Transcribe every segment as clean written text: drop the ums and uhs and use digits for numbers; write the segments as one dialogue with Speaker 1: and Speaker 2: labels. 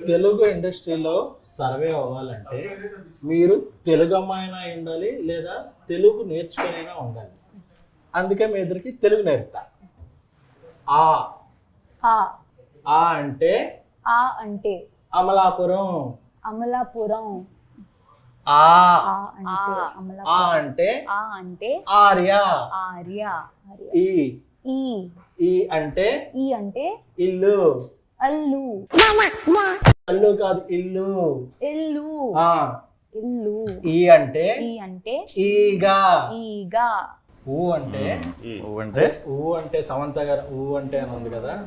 Speaker 1: తెలుగు ఇండస్ట్రీలో సర్వే అవ్వాలంటే మీరు తెలుగు అమ్మాయినా ఉండాలి లేదా తెలుగు నేర్చుకునైనా ఉండాలి. అందుకే మీ ఇద్దరికి తెలుగు నేర్పుతా. ఆ
Speaker 2: ఆ
Speaker 1: ఆ అంటే
Speaker 2: ఆ అంటే
Speaker 1: అమలాపురం.
Speaker 2: అమలాపురం.
Speaker 1: ఆ
Speaker 2: ఆ అంటే అమలాపురం.
Speaker 1: ఆ అంటే
Speaker 2: ఆ అంటే
Speaker 1: ఆర్య.
Speaker 2: ఆర్య.
Speaker 1: ఈ
Speaker 2: ఈ
Speaker 1: ఈ అంటే
Speaker 2: ఈ అంటే
Speaker 1: ఇల్లు.
Speaker 2: అల్లు.
Speaker 1: అల్లు కాదు, ఇల్లు.
Speaker 2: ఇల్లు.
Speaker 1: ఆ
Speaker 2: ఇల్లు.
Speaker 1: ఈ అంటే
Speaker 2: ఈ అంటే
Speaker 1: ఈగా.
Speaker 2: ఈగా.
Speaker 1: ఊ అంటే ఊ అంటే సమంత గారు ఊ అంటే అని ఉంది కదా,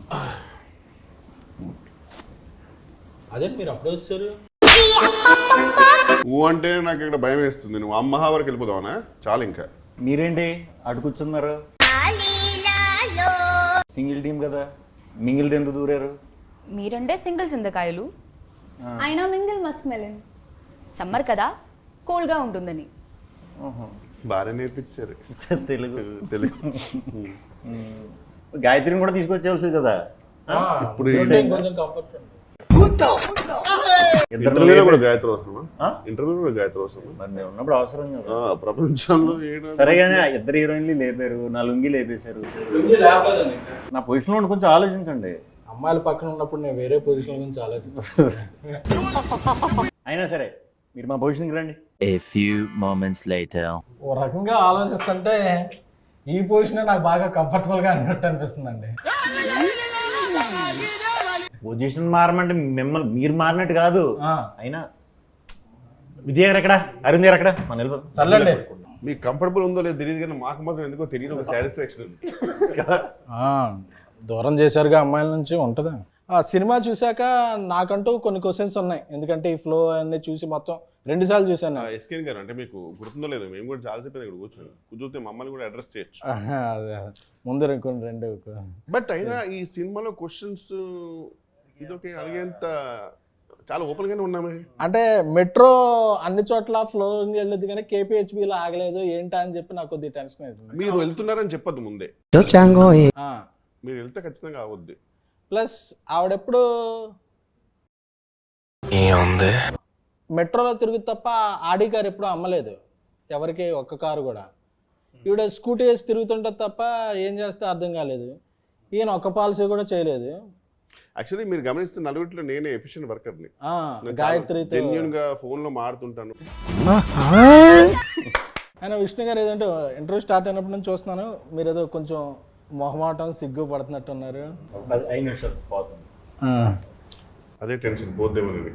Speaker 1: అదే మీరు అప్పుడు వచ్చారు.
Speaker 3: ఊ అంటే నాకు ఇక్కడ భయం వేస్తుంది. నువ్వు అమ్మహా వరకు వెళ్ళిపోదావనా? చాలు ఇంకా.
Speaker 4: మీరేంటి అటు కూర్చున్నారు? సింగిల్ టీం కదా, మింగిల్ ఎందుకు దూరారు?
Speaker 5: మీరంటే సింగిల్ చింతకాయలు,
Speaker 2: అయినా మింగిల్ మస్క్ మెలన్.
Speaker 5: సమ్మర్ కదా కూల్గా ఉంటుందని.
Speaker 3: బాగా నేర్పించారు
Speaker 4: తెలుగు.
Speaker 3: తెలుగు.
Speaker 4: గాయత్రిని కూడా తీసుకొచ్చేవాల్సింది కదా.
Speaker 3: ఇప్పుడు
Speaker 1: కొంచెం కంఫర్ట్ ఉంది.
Speaker 3: ఇంటర్వ్యూలో కూడా గాయత్రి అవసరమా? ఇంటర్వ్యూలో కూడా గాయత్రి అవసరమా?
Speaker 4: మరి నేను ఉన్నప్పుడు అవసరం కదా.
Speaker 3: ప్రపంచంలో
Speaker 4: సరేగానే ఇద్దరు హీరోయిన్లు లేపారు, నా లుంగి లేపేశారు. నా పొజిషన్లో ఉండి కొంచెం ఆలోచించండి.
Speaker 1: అమ్మాయిల పక్కన ఉన్నప్పుడు నేను వేరే పొజిషన్ గురించి ఆలోచిస్తాను.
Speaker 4: అయినా సరే మీరు మా పొజిషన్కి రండి.
Speaker 6: A few moments later.
Speaker 1: ఓ రకంగా ఆలోచిస్తుంటే ఈ పొజిషన్ నాకు బాగా కంఫర్టబుల్ గా అన్నట్టు అనిపిస్తుందండి.
Speaker 4: పొజిషన్ మారమంటే మిమ్మల్ని మీరు మారినట్టు కాదు. అయినా విద్య గారు ఎక్కడ, అరుణ్ గారు ఎక్కడ? మన వెళ్ళిపోతాం.
Speaker 1: సర్లేండి.
Speaker 3: మీకు కంఫర్టబుల్ ఉందో లేదో తెలియదు కానీ మాకు మాత్రం ఎందుకో తెలియదు, ఒక సాటిస్ఫాక్షన్ ఉంది కదా.
Speaker 1: దూరం చేశారుగా అమ్మాయిల నుంచి ఉంటుందా? ఆ సినిమా చూశాక నాకంటూ కొన్ని క్వశ్చన్స్ ఉన్నాయి. ఎందుకంటే ఈ ఫ్లో అన్ని చూసి మొత్తం 2 సార్లు చూశాను.
Speaker 3: ఎస్కేన్ గారు అంటే మీకు గుర్తుందో లేదో, మేము కూడా చాలాసేపు ఇక్కడ కూర్చొని మమ్మల్ని కూడా అడ్రస్ చేయొచ్చు.
Speaker 1: ముందు రెండు.
Speaker 3: బట్ అయినా ఈ సినిమాలో క్వశ్చన్స్ ఇదొక అడిగేంత చాలా ఓపెన్ గానే ఉన్నామే.
Speaker 1: అంటే మెట్రో అన్ని చోట్ల ఫ్లో వెళ్ళదు కానీ కేపీహెచ్బిలో ఆగలేదు ఏంటా అని చెప్పి నాకు కొద్దిగా టెన్షన్ వేసింది.
Speaker 3: మీరు వెళ్తున్నారని చెప్పొద్దు ముందే. మీరు వెళ్తే ఖచ్చితంగా అవద్దు.
Speaker 1: ప్లస్ ఆవిడెప్పుడు మెట్రోలో తిరుగుతు తప్ప ఆడి కారు ఎప్పుడు అమ్మలేదు ఎవరికి, ఒక్క కారు కూడా. ఈవిడ స్కూటీ వేసి తిరుగుతుంటుంది తప్ప ఏం చేస్తే అర్థం కాలేదు. ఈయన ఒక్క పాలసీ కూడా చేయలేదు.
Speaker 3: యాక్చువల్లీ మీరు గమనిస్తే నలుగురిలో నేనే ఎఫిషియెంట్ వర్కర్ని.
Speaker 1: గాయత్రితో
Speaker 3: జెన్యూన్ గా ఫోన్ లో మాడుతుంటాను.
Speaker 1: ఆయన విష్ణు గారు ఏదంటే ఇంటర్వ్యూ స్టార్ట్ అయినప్పటి నుంచి చూస్తున్నాను, మీరు ఏదో కొంచెం మొహమాటం సిగ్గు పడుతున్నట్టున్నారు.
Speaker 4: 5 నిమిషాలు పోతుంది.
Speaker 3: అదే టెన్షన్ పోద్దేమని.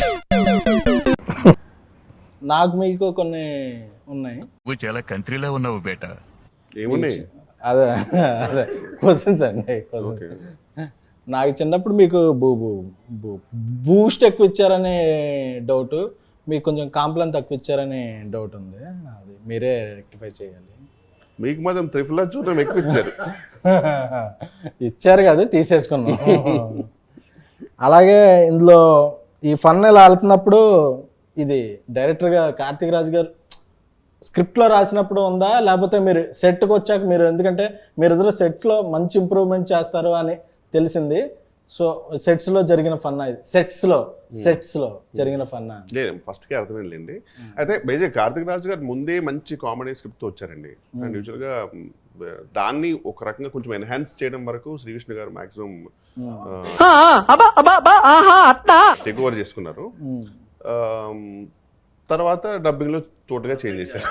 Speaker 1: నాకు మీకు కొన్ని ఉన్నాయి.
Speaker 7: నువ్వు చాలా కంట్రీలో ఉన్నావు బేటా.
Speaker 3: ఏమున్నాయి?
Speaker 1: అదే క్వశ్చన్స్ అండి. క్వశ్చన్ నాకు చిన్నప్పుడు మీకు బూస్ట్ ఎక్కువ ఇచ్చారనే డౌట్, మీకు కొంచెం కాంప్లైన్ తక్కువ ఇచ్చారనే డౌట్ ఉంది. అది మీరే రెక్టిఫై చేయాలి.
Speaker 3: మీకు మాత్రం త్రిఫుల్ చూడడం ఎక్కువ ఇచ్చారు.
Speaker 1: ఇచ్చారు కదా, తీసేసుకున్నాం. అలాగే ఇందులో ఈ ఫన్ ఇలా వెళ్తున్నప్పుడు ఇది డైరెక్టర్గా కార్తీక్ రాజు గారు స్క్రిప్ట్లో రాసినప్పుడు ఉందా, లేకపోతే మీరు సెట్కి వచ్చాక మీరు, ఎందుకంటే మీరు ఎదురు సెట్లో మంచి ఇంప్రూవ్మెంట్ చేస్తారు అని తెలిసింది. సో సెట్స్లో జరిగిన ఫన్నా ఇది? సెట్స్లో జరిగిన ఫన్నా?
Speaker 3: లేదు, ఫస్ట్కే అర్థమైందండి. అయితే బేజే కార్తీక్ రాజు గారు ముందే మంచి కామెడీ స్క్రిప్ట్తో వచ్చారండి. అండ్ యూజువల్గా దాన్ని ఒక రకంగా కొంచెం ఎన్హాన్స్ చేయడం వరకు శ్రీకృష్ణ గారు మాక్సిమం టేక్ ఓవర్ చేసుకున్నారు. తర్వాత డబ్బింగ్లో తోటగా చేంజ్ చేశారు.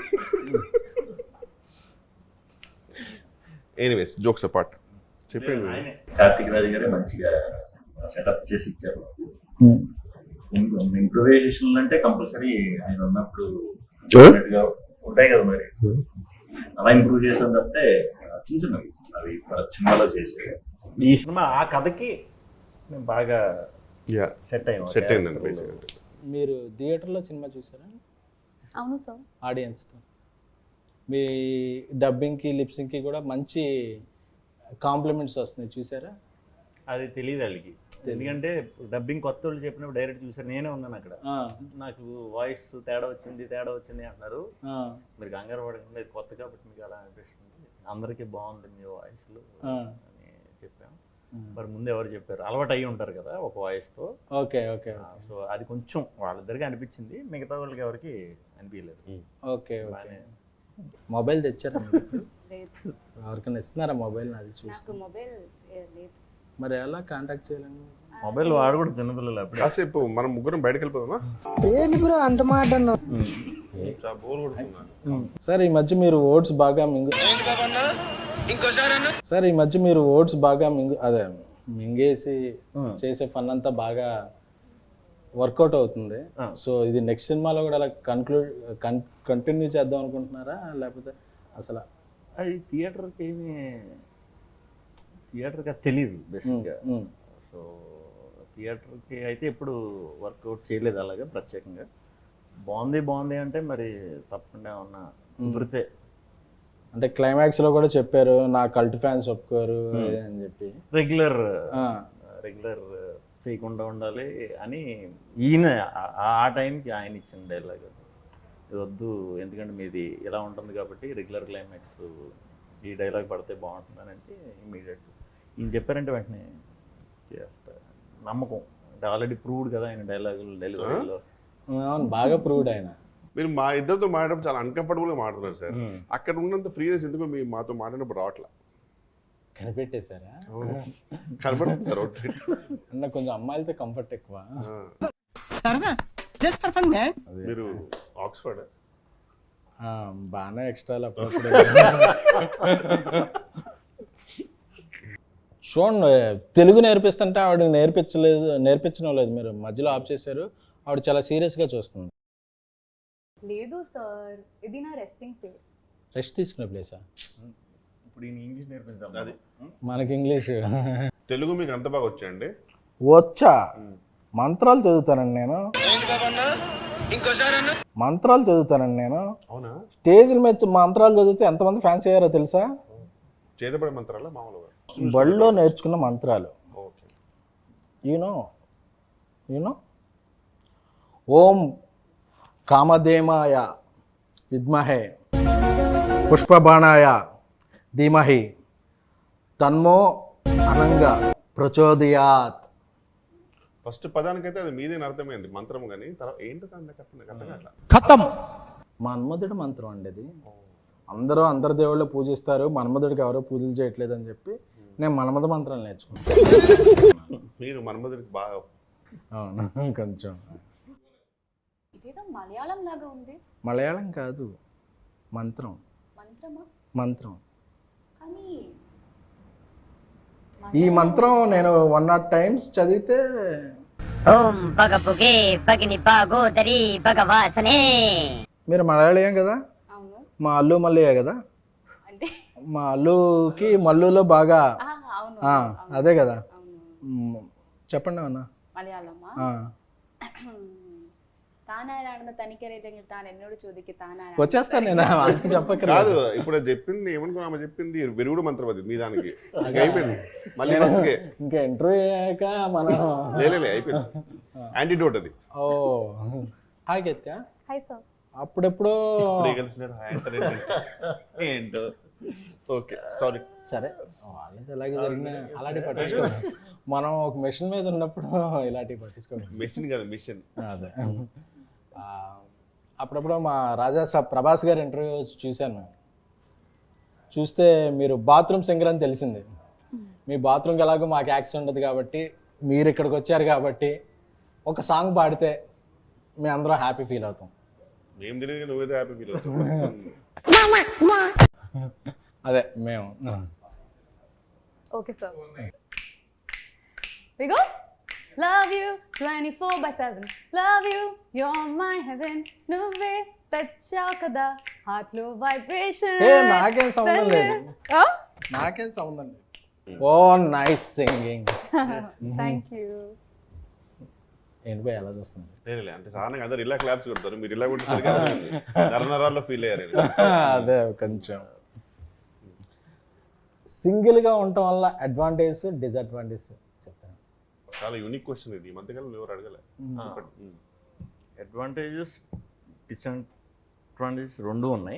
Speaker 3: Anyways, jokes apart. చెప్పండి.
Speaker 4: కార్తీక్ రాజు గారే మంచిగా సెటప్ చేసి ఇచ్చారు. ఇంప్రూవైజేషన్ అంటే కంపల్సరీ ఆయన ఉన్నప్పుడు ఉంటాయి కదా, మరి అలా ఇంప్రూవ్ చేసాం తప్పితే చిన్న చిన్నవి అవి సినిమాలో చేసే. ఈ సినిమా ఆ కథకి మేము బాగా సెట్
Speaker 3: అయిందండి.
Speaker 1: మీరు థియేటర్లో సినిమా చూసారా?
Speaker 2: అవును సార్.
Speaker 1: ఆడియన్స్తో మీ డబ్బింగ్కి లిప్సింగ్కి కూడా మంచి కాంప్లిమెంట్స్ వస్తున్నాయి, చూసారా?
Speaker 4: అది తెలియదు వాళ్ళకి. ఎందుకంటే డబ్బింగ్ కొత్త వాళ్ళు చెప్పినప్పుడు డైరెక్ట్ చూసారు, నేనే ఉన్నాను అక్కడ. నాకు వాయిస్ తేడా వచ్చింది అంటున్నారు. మీరు కంగారు పడకుండా, ఇది కొత్త కాబట్టి మీకు అలా అనిపిస్తుంది, అందరికీ బాగుంది మీ వాయిస్లు అని చెప్పాము. మరి ముందు ఎవరు చెప్పారు, అలవాటు అయ్యి ఉంటారు కదా ఒక వాయిస్తో.
Speaker 1: ఓకే ఓకే
Speaker 4: సో అది కొంచెం వాళ్ళిద్దరికి అనిపించింది, మిగతా వాళ్ళకి ఎవరికి అనిపించలేదు.
Speaker 1: Okay okay.
Speaker 4: బాగానే.
Speaker 1: మొబైల్ తెచ్చారా మీరు?
Speaker 2: లేదు,
Speaker 1: ఎవరికైనా ఇస్తున్నారా మొబైల్? అది చూసి
Speaker 2: నాకు మొబైల్ లేదు.
Speaker 1: మరి ఎలా కాంటాక్ట్ చేయాలండి?
Speaker 4: మొబైల్ వాడు కూడా చిన్నపిల్లలు అప్పుడు.
Speaker 3: కాసేపు మనం ముగ్గురం బయటకు వెళ్ళిపోదామా? చాలా బోర్ కొడుతుందా?
Speaker 1: సార్ ఈ మధ్య మీరు ఓట్స్ బాగా సార్ ఈ మధ్య మీరు ఓట్స్ బాగా అదే మింగేసి చేసే ఫన్ అంతా బాగా వర్కౌట్ అవుతుంది. సో ఇది నెక్స్ట్ సినిమాలో కూడా అలా కంటిన్యూ చేద్దాం అనుకుంటున్నారా, లేకపోతే అసలు?
Speaker 4: అది థియేటర్కి తెలియదు బేసిక్గా. సో థియేటర్కి అయితే ఎప్పుడు వర్కౌట్ చేయలేదు అలాగే ప్రత్యేకంగా. బాగుంది అంటే మరి తప్పకుండా ఏమన్నా కుదిరితే.
Speaker 1: అంటే క్లైమాక్స్ లో కూడా చెప్పారు నా కల్ట్ ఫ్యాన్స్ ఒప్పుకోరు అని చెప్పి.
Speaker 4: రెగ్యులర్ చేయకుండా ఉండాలి అని ఈయన ఆ టైంకి ఆయన ఇచ్చిన డైలాగ్ ఇది వద్దు, ఎందుకంటే మీది ఇలా ఉంటుంది కాబట్టి రెగ్యులర్ క్లైమాక్స్ ఈ డైలాగ్ పడితే బాగుంటుందని అంటే ఇమీడియట్ ఈయన చెప్పారంటే వెంటనే చేస్తా. నమ్మకం అంటే ఆల్రెడీ ప్రూవ్డ్ కదా ఆయన డైలాగులు డెలివరీలో.
Speaker 1: అవును, బాగా ప్రూవ్డ్ ఆయన.
Speaker 3: మీరు మా ఇద్దరితో మాట్లాడడం చాలా అన్కంఫర్టబుల్గా మాట్లాడుతున్నారు సార్. అక్కడ ఉన్నంత ఫ్రీనెస్ ఎందుకు మీ మాతో మాట్లాడినప్పుడు రావట్లా?
Speaker 1: కనిపెట్టేశారా?
Speaker 3: కనపడుతుంది సార్.
Speaker 1: అన్న కొంచెం అమ్మాయిలతో కంఫర్ట్ ఎక్కువ.
Speaker 3: మీరు ఆక్స్ఫర్డ్
Speaker 1: బాగానే ఎక్స్ట్రాలు అప్పుడప్పుడు. చూడండి, తెలుగు నేర్పిస్తుంటే ఆవిడ నేర్పించడం లేదు, మీరు మధ్యలో ఆఫ్ చేశారు. ఆవిడ చాలా సీరియస్గా చూస్తుంది.
Speaker 2: లేదు సార్, ఇది నా రెస్టింగ్ ప్లేస్.
Speaker 1: రెస్ట్ తీసుకునే ప్లేసా?
Speaker 4: ఇప్పుడు ఈయన ఇంగ్లీష్ నేర్పించాం. అది
Speaker 1: మనకి ఇంగ్లీష్
Speaker 3: తెలుగు మీకు అంత బాగా వచ్చాయండి?
Speaker 1: వచ్చా, మంత్రాలు చదువుతానండి నేను.
Speaker 3: అవునా?
Speaker 1: స్టేజ్ల మీద మంత్రాలు చదివితే ఎంతమంది ఫ్యాన్స్ అయ్యారో తెలుసా?
Speaker 3: చేతపడే మంత్రాలా మామూలుగా?
Speaker 1: బడిలో నేర్చుకున్న మంత్రాలు.
Speaker 3: ఓకే.
Speaker 1: యూనో ఓం కామధేమాయ విద్మహే పుష్పబాణాయ ధీమహి తన్మో అనంగా ప్రచోదయాత్.
Speaker 3: ఫస్ట్ పదానికైతే అది మీదేని అర్థమైంది మంత్రం, కానీ తర్వాత ఏంటో అట్లా
Speaker 1: ఖతం. మన్మధుడు మంత్రం అండి అది. అందరు దేవుళ్ళు పూజిస్తారు, మన్మధుడికి ఎవరో పూజలు చేయట్లేదు అని చెప్పి నేను మన్మధ మంత్రాలు నేర్చుకున్నాను.
Speaker 3: మీరు మన్మధుడికి బాగా.
Speaker 1: అవును, కొంచెం.
Speaker 2: ఇదేదో మలయాళం లాగా ఉంది.
Speaker 1: మలయాళం కాదు, మంత్రం. మంత్రం.
Speaker 2: కానీ
Speaker 1: ఈ మంత్రం నేను 100 times చదివితే.
Speaker 8: ఓం పగపుగే పగిని పాగోదరి భగవాసనే.
Speaker 1: మీరు మలయాళీయం కదా?
Speaker 2: అవును.
Speaker 1: మా అల్లు మల్లయ్య కదా?
Speaker 2: అంటే
Speaker 1: మా అల్లుకి మల్లులో బాగా.
Speaker 2: అవును,
Speaker 1: అదే కదా.
Speaker 2: అవును.
Speaker 1: చెప్పండి అన్న.
Speaker 2: മലയാളമാ താനാരാണെന്ന് തനിക്കറിയില്ലെങ്കിൽ താൻ എന്നോട് ചോദിക്ക് താനാരാണ്.
Speaker 1: వచ్చేస్తాను నేను, అది చెప్పకరా.
Speaker 3: కాదు, ఇప్పుడు అది చెప్పింది ఏమనుకున్నా, ఆమె చెప్పింది విరుగుడు మంత్రం అది మీ దానికి అయిపోయింది. మళ్ళీ ఫస్ట్కే
Speaker 1: ఇంకా ఇంటర్వ్యూ అయ్యాక మనం
Speaker 3: లేలే అయిపోయింది. యాంటీడోట్ అది.
Speaker 1: ఓ హాయ్ కేత్క.
Speaker 2: Hi sir.
Speaker 1: అప్పుడెప్పుడో
Speaker 3: ఏంటో. Okay, sorry.
Speaker 1: సరే, వాళ్ళది ఎలాగే జరిగినా అలాంటివి పట్టించుకోండి. మనం ఒక మిషన్ మీద ఉన్నప్పుడు ఇలాంటివి పట్టించుకోండి.
Speaker 3: మిషన్ కాదు, మిషన్.
Speaker 1: అదే. అప్పుడప్పుడు మా రాజా సాబ్ ప్రభాస్ గారి ఇంటర్వ్యూ చూశాను. చూస్తే మీరు బాత్రూమ్ సింగర్ అని తెలిసింది. మీ బాత్రూమ్కి ఎలాగో మాకు యాక్సెస్ ఉండదు కాబట్టి, మీరు ఇక్కడికి వచ్చారు కాబట్టి ఒక సాంగ్ పాడితే మేము అందరం హ్యాపీ ఫీల్ అవుతాం.
Speaker 3: మేము తెలియదు, నువ్వేదో హ్యాపీ ఫీల్ అవుతావు.
Speaker 1: అదే మేము.
Speaker 2: Okay sir. We go. Love you 24/7. Love you, you're my heaven. నువ్వే తెచ్చావు కదా హార్ట్ లో వైబ్రేషన్.
Speaker 1: నాకేం సంబంధం లేదు. నాకేం సంబంధం లేదు. Oh nice singing.
Speaker 2: Thank you.
Speaker 1: ఏంటి పోయి ఎలా చూస్తుంది?
Speaker 3: లేలే, అంటే సాధారణంగా అందరు ఇలా క్లాప్స్ కొడతారు, మీరు ఇలా కొట్టేసరికి నరనరాల్లో ఫీల్ అయ్యారు.
Speaker 1: అదే కొంచెం సింగిల్గా ఉండటం వల్ల అడ్వాంటేజ్ డిసడ్వాంటేజ్ చెప్తాను.
Speaker 3: చాలా యూనిక్ క్వశ్చన్ ఇది, ఈ మధ్యకాలంలో ఎవరు అడగలే.
Speaker 4: అడ్వాంటేజెస్ డిసడ్వాంటేజెస్ రెండు ఉన్నాయి.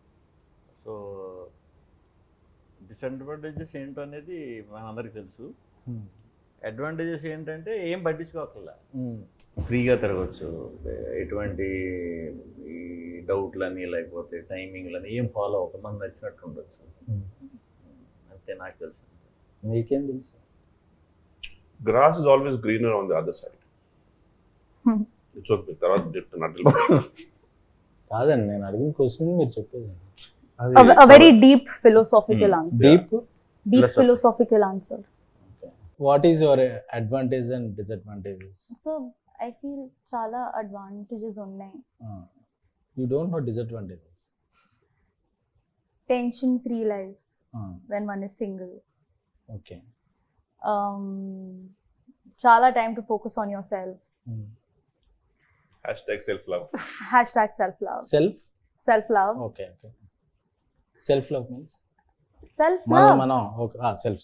Speaker 4: సో డిసడ్వాంటేజెస్ ఏంటో అనేది మనందరికీ తెలుసు. అడ్వాంటేజెస్ ఏంటంటే ఏం పట్టించుకోకల్లా, ఫ్రీగా తిరగచ్చు, ఎటువంటి ఈ డౌట్లని లేకపోతే టైమింగ్లని ఏం ఫాలో అవ్వక మనం నచ్చినట్టు ఉండొచ్చు. అంతే నాకు తెలుసు.
Speaker 1: మీకేం తెలుసు?
Speaker 3: Grass is always greener on the other side. It's okay. తర్వాత చెప్తున్నట్లు
Speaker 1: కాదండి, నేను అడిగిన క్వశ్చన్ మీరు చెప్పేది.
Speaker 2: A very deep philosophical answer.
Speaker 1: Deep
Speaker 2: Philosophical answer.
Speaker 1: What is your advantage and disadvantages?
Speaker 2: So I feel చాలా advantages ఉన్నాయి.
Speaker 1: You don't know disadvantages.
Speaker 2: Tension free life when one is single.
Speaker 1: Okay.
Speaker 2: చాలా time to focus on yourself.
Speaker 3: #self love.
Speaker 2: #self love.
Speaker 1: Self
Speaker 2: love.
Speaker 1: Okay. Okay. Self love means
Speaker 2: Self
Speaker 1: మనం
Speaker 2: love.
Speaker 1: మనం okay. Self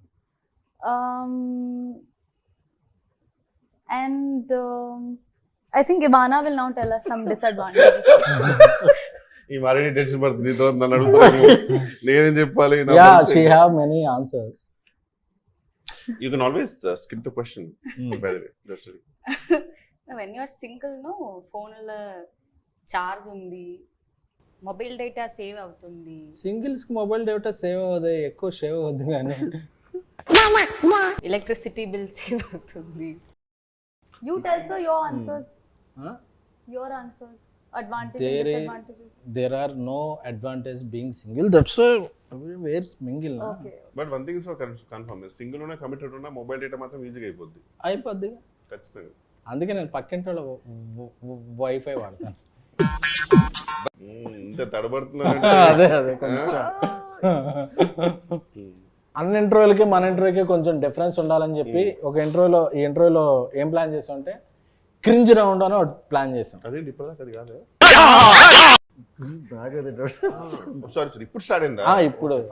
Speaker 2: And I think Ivana will now tell us some disadvantages.
Speaker 3: ఈ మరీ tension పడుతుంది. నీతో నన్ను అడుగుతాను, నేనేం చెప్పాలి?
Speaker 1: Ya, she have many answers.
Speaker 3: You can always skip the question by the way. Just
Speaker 5: when you're single no ఫోన్లో charge ఉంది, మొబైల్ డేటా సేవ్ అవుతుంది.
Speaker 1: సింగిల్స్ కి మొబైల్ డేటా సేవ్ అవ్వదు, ఎక్కువ సేవ్ అవ్వద్దు కానీ
Speaker 5: ఎలక్ట్రిసిటీ బిల్ సేవ్ అవుతుంది.
Speaker 2: You tell sir your answers. Your answers. Advantages and disadvantages.
Speaker 1: there are no advantage being single. That's where mingle na.
Speaker 2: Okay.
Speaker 3: But one thing is for confirm, single ఉన్నా committed ఉన్నా mobile data మాత్రం ఈజీగా అయిపోద్ది.
Speaker 1: అయిపోద్ది.
Speaker 3: ఖచ్చితంగా.
Speaker 1: అందుకే నేను పక్కింటి వాళ్ళ వైఫై వాడతాను.
Speaker 3: ఇంత తడబడుతున్నా.
Speaker 1: అదే కొంచెం అన్ని ఇంటర్వ్యూలకి మన ఇంటర్వ్యూకి కొంచెం డిఫరెన్స్ ఉండాలని చెప్పి ఒక ఈ ఇంటర్వ్యూలో ఏం ప్లాన్ చేసాం అంటే క్రింజ్ రౌండ్ అని ఒకటి ప్లాన్ చేసాం.
Speaker 3: అదేంటి ఇప్పటిదాకా అది కాదు. సారీ ఇప్పుడు స్టార్ట్ అయిందా?
Speaker 1: ఇప్పుడు